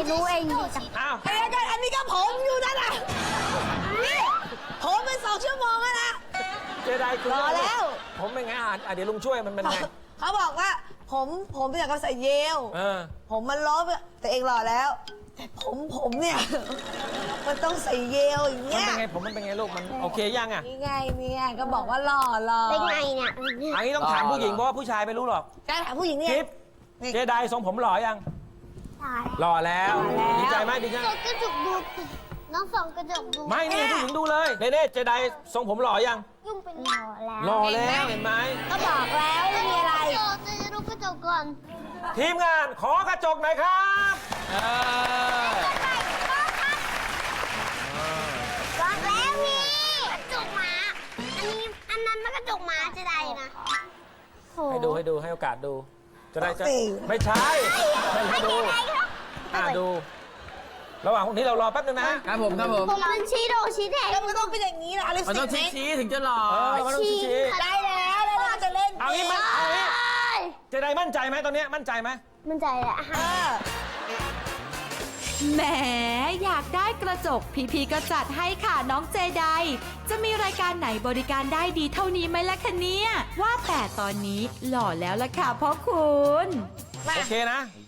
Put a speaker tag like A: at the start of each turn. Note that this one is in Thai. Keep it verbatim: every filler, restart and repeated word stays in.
A: รู้เองดิจ้ะ
B: อ้าว
C: ไอ้กันอันนี้ก็ผมอยู่นั่นน่ะนี่ผมเป็นสองชั่วโมงแล้วนะ
B: เจไดคือ
C: รอแล้ว
B: ผมเป็นไงอ่านอ่ะเดี๋ยวลุงช่วยมันเป็นไง
C: เขาบอกว่าผมผมอยากจะใส่เยล
B: เออ
C: ผมมันล้อไปแต่เองหล่อแล้ว แต่ผมผมเนี่ย มันต้องใส่เยลอย่าง
B: มัน
C: เงี้ย
B: เป็นไงผมมันเป็นไงลูกมันโอเคยังอ่ะ
C: นี่ไงเนี่ยก็บอกว่าหล่อหล่อ
A: เป็นไงเนี่ย
B: อันนี้ต้องถามผู้หญิงเพราะว่าผู้ชายไม่รู้หรอก
C: การถามผู้หญิงเนี่ย
B: กิฟเจไดทรงผมหล่อยัง
A: ตาย
B: หล่อแล้ว
C: หล่อแล้ว
B: ดีใจไหมดีใจ
A: ส่องกระจกดูน้องส่องกระจกดู
B: ไม่นี่ผู้หญิงดูเลยเน่ๆเจไดทรงผมหล่อยัง
A: ยุ่งเป็นหล่อแล้ว
B: หล่อแล้วเห็นไหม
C: ก็บอกแล้วไม่มีอะไร
A: กระจกจะดูกระจกก่อน
B: ทีมงานขอกระจกหน่อยครับเออ
A: บอกแล้วนี่กระจกหมา อันนี้อันนั้นมันกระจกหมาจะได้นะโห
B: ให้ดูให้ดูให้โอกาสดู จะได้จะ
C: สิ
B: ไม่ใช่ให้ดู
A: อะไรครับ
B: อ่าดู ระหว่างนี้เรารอแป๊บนึงนะ
D: ครับผมครับผม
A: ผมเป็นชี้โดชี้แดง
C: ก็มันต้องเป็นอย่างนี้นะอะไร
D: มัน
C: สิ
D: ต้อง
C: เม
D: ชี้
C: ตร
D: ชี้ถึงจะหล่อ
B: เออมันต้องชี้
C: ได้แล้วแล้วเราจะเล่น
B: เอางี้มันเอางี้เจไดมั่นใจไหมตอนเนี้ยมั่นใจไหม
A: มันใจอะ
C: เออ
E: แหมอยากได้กระจกพี่ๆก็จัดให้ค่ะน้องเจไดจะมีรายการไหนบริการได้ดีเท่านี้ไหมล่ะคะเนี่ยว่าแต่ตอนนี้หล่อแล้วล่ะค่ะพ่อคุณ
B: โอเคนะ
C: โ